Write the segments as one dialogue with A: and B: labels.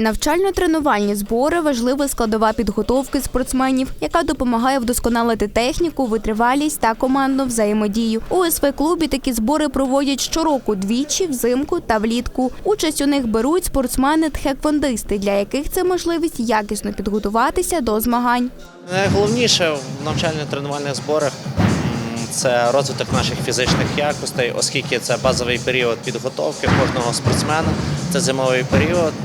A: Навчально-тренувальні збори – важлива складова підготовки спортсменів, яка допомагає вдосконалити техніку, витривалість та командну взаємодію. У ОСВ-клубі такі збори проводять щороку двічі – взимку та влітку. Участь у них беруть спортсмени-тхеквондисти, для яких це можливість якісно підготуватися до змагань.
B: Найголовніше в навчально-тренувальних зборах – це розвиток наших фізичних якостей, оскільки це базовий період підготовки кожного спортсмена, це зимовий період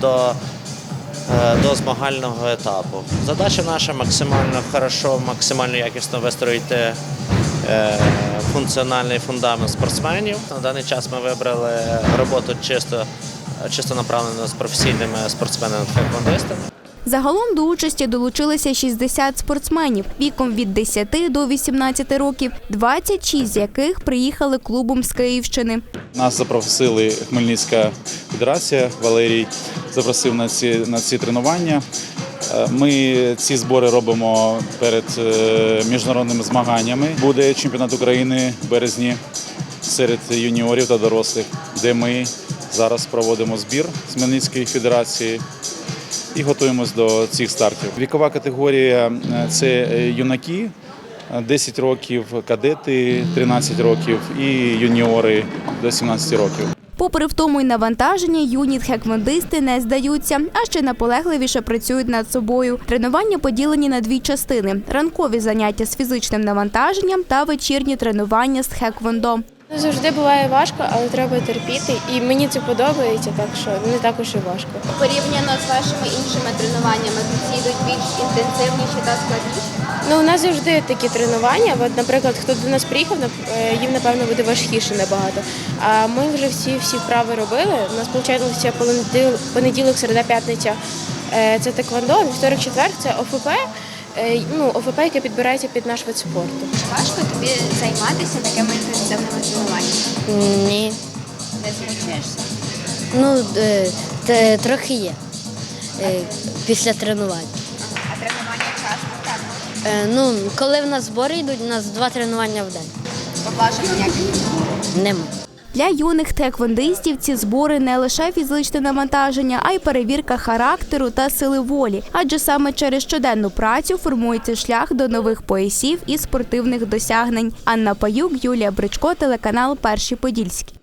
B: до змагального етапу. Задача наша максимально хорошо, максимально якісно вистроїти функціональний фундамент спортсменів. На даний час ми вибрали роботу чисто направлену з професійними спортсменами-тхеквондистами.
A: Загалом до участі долучилися 60 спортсменів віком від 10 до 18 років, 26 з яких приїхали клубом з Київщини.
C: Нас запросили Хмельницька федерація, Валерій запросив на ці тренування. Ми ці збори робимо перед міжнародними змаганнями. Буде чемпіонат України в березні серед юніорів та дорослих, де ми зараз проводимо збір з Хмельницької федерації і готуємось до цих стартів. Вікова категорія – це юнаки, 10 років, кадети, 13 років і юніори до 17 років.
A: Попри втому й навантаження, юні тхеквондисти не здаються, а ще наполегливіше працюють над собою. Тренування поділені на дві частини – ранкові заняття з фізичним навантаженням та вечірні тренування з тхеквондо.
D: Завжди буває важко, але треба терпіти. І мені це подобається, так що не так уж і важко.
E: Порівняно з вашими іншими тренуваннями, ці йдуть більш інтенсивніші та складніші?
D: Ну, у нас завжди такі тренування. От, наприклад, хто до нас приїхав, їм, напевно, буде важкіше набагато. А ми вже всі вправи робили. У нас, виходить, понеділок, середа, п'ятниця – це тхеквондо, вівторок, четвер – це ОФП. ОФП, яке підбирається під наш вид спорту.
E: Важко тобі займатися такими інтенсивними тренуваннями?
F: Ні.
E: Не змучуєшся?
F: Трохи є після тренувань.
E: А тренування часто так?
F: Коли в нас збори йдуть, у нас 2 тренування в день.
E: Поблажок ніяких?
F: Нема.
A: Для юних тхеквондистів ці збори не лише фізичне навантаження, а й перевірка характеру та сили волі. Адже саме через щоденну працю формується шлях до нових поясів і спортивних досягнень. Анна Паюк, Юлія Бричко, телеканал «Перший Подільський».